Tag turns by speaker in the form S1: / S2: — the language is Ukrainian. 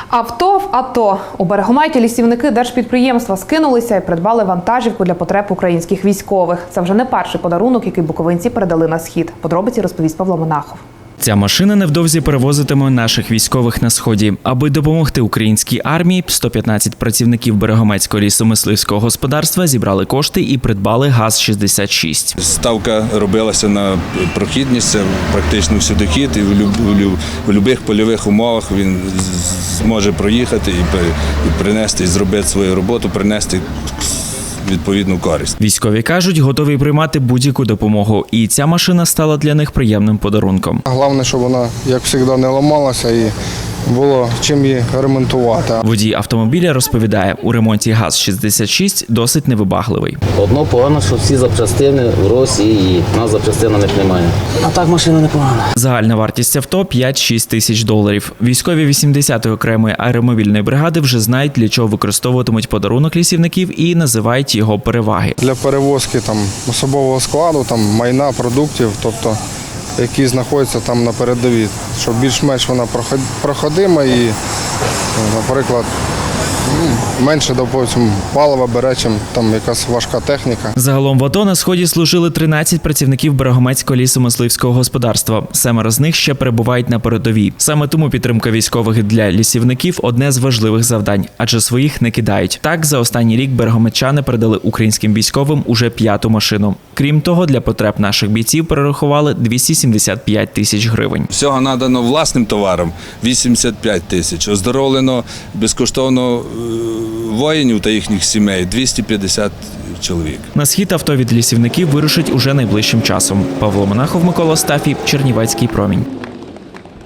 S1: Авто в АТО. У Берегометі лісівники держпідприємства скинулися і придбали вантажівку для потреб українських військових. Це вже не перший подарунок, який буковинці передали на схід. Подробиці розповість Павло Монахов.
S2: Ця машина невдовзі перевозитиме наших військових на Сході. Аби допомогти українській армії, 115 працівників Берегометського лісомисливського господарства зібрали кошти і придбали ГАЗ-66.
S3: Ставка робилася на прохідність, це практично всюдохід, і в будь-яких польових умовах він зможе проїхати і принести, і зробити свою роботу, принести відповідну користь.
S2: Військові кажуть, готові приймати будь-яку допомогу. І ця машина стала для них приємним подарунком.
S4: Головне, щоб вона, як завжди, не ламалася і було чим її ремонтувати.
S2: Водій автомобіля розповідає, у ремонті ГАЗ-66 досить невибагливий.
S5: Одно погано, що всі запчастини в Росії, у нас запчастин на них немає. А так машина непогана.
S2: Загальна вартість авто – 5-6 тисяч доларів. Військові 80-ї окремої аеромобільної бригади вже знають, для чого використовуватимуть подарунок лісівників і називають його переваги.
S4: Для перевозки особового складу, майна, продуктів, тобто які знаходяться там на передовій, щоб більш-менш вона проходима і, наприклад, менше, допустим, палива бере, чим якась важка техніка.
S2: Загалом в АТО на Сході служили 13 працівників Берегометського лісомисливського господарства. 7 з них ще перебувають на передовій. Саме тому підтримка військових для лісівників – одне з важливих завдань, адже своїх не кидають. Так, за останній рік берегометчани передали українським військовим уже 5-ту машину. Крім того, для потреб наших бійців перерахували 275 тисяч гривень.
S3: Всього надано власним товаром 85 тисяч, оздоровлено безкоштовно воїнів та їхніх сімей 250 чоловік.
S2: На схід авто від лісівників вирушить уже найближчим часом. Павло Монахов, Микола Стафій, Чернівецький промінь.